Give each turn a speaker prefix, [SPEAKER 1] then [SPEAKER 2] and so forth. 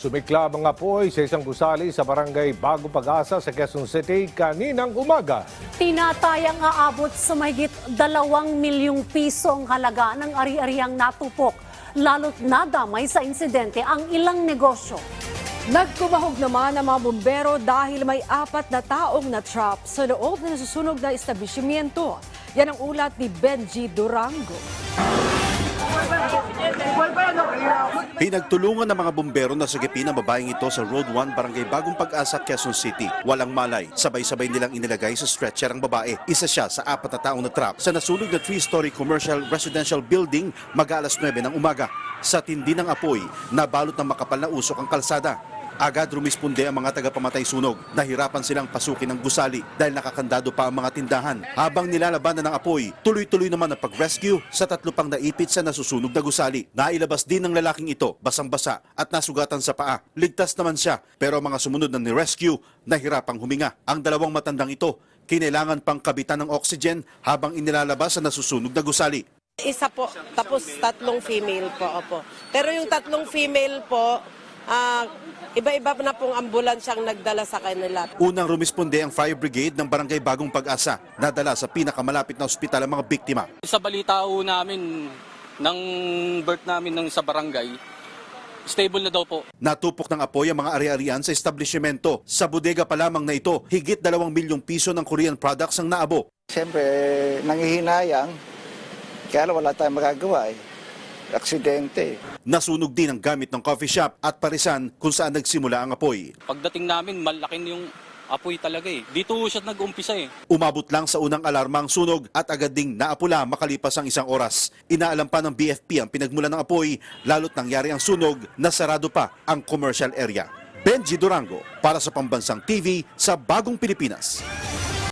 [SPEAKER 1] Sumiklab ang apoy sa isang gusali sa barangay Bagong Pag-asa sa Quezon City kaninang umaga.
[SPEAKER 2] Tinatayang aabot sa mahigit 2 milyong pisong halaga ng ari-ariang natupok. Lalo't nadamay sa insidente ang ilang negosyo.
[SPEAKER 3] Nagkumahog naman ang mga bumbero dahil may 4 na taong na-trap sa loob na nasusunog na establishmento. Yan ang ulat ni Benji Durango.
[SPEAKER 4] Pinagtulungan ng mga bumbero na sagipin ang babaeng ito sa Road 1, Barangay Bagong Pag-asa, Quezon City. Walang malay, sabay-sabay nilang inilagay sa stretcher ang babae. Isa siya sa 4 na taong na-trap sa nasunog na 3-story commercial residential building mag-alas 9 ng umaga. Sa tindi ng apoy, nabalot ng makapal na usok ang kalsada. Agad rumisponde ang mga tagapamatay sunog. Nahirapan silang pasukin ng gusali dahil nakakandado pa ang mga tindahan. Habang nilalabanan ng apoy, tuloy-tuloy naman ang pag-rescue sa 3 pang naipit sa nasusunog na gusali. Nailabas din ng lalaking ito, basang-basa at nasugatan sa paa. Ligtas naman siya, pero ang mga sumunod na ni-rescue, nahirapang huminga. Ang 2 matandang ito, kinailangan pang kabitan ng oxygen habang inilalabas sa nasusunog na gusali.
[SPEAKER 5] Isa po, tapos 3 female po. Opo. Pero yung 3 female po, iba-iba na pong ambulansyang nagdala sa kanila.
[SPEAKER 4] Unang rumisponde ang fire brigade ng Barangay Bagong Pag-asa. Nadala sa pinakamalapit na ospital ang mga biktima.
[SPEAKER 6] Sa balita ho namin, ng birth namin sa barangay, stable na daw po.
[SPEAKER 4] Natupok ng apoy ang mga ari-arian sa establishmento. Sa bodega pa lamang na ito, higit 2 milyong piso ng Korean products ang naabo.
[SPEAKER 7] Siyempre, nangihinayang, kaya wala tayong magagawa aksidente.
[SPEAKER 4] Nasunog din ang gamit ng coffee shop at parisan kung saan nagsimula ang apoy.
[SPEAKER 6] Pagdating namin, malaking yung apoy talaga eh. Dito siya nag-umpisa eh.
[SPEAKER 4] Umabot lang sa unang alarma ang sunog at agad ding naapula makalipas ang 1 oras. Inaalam pa ng BFP ang pinagmulan ng apoy, lalo't nangyari ang sunog na sarado pa ang commercial area. Benji Durango para sa Pambansang TV sa Bagong Pilipinas.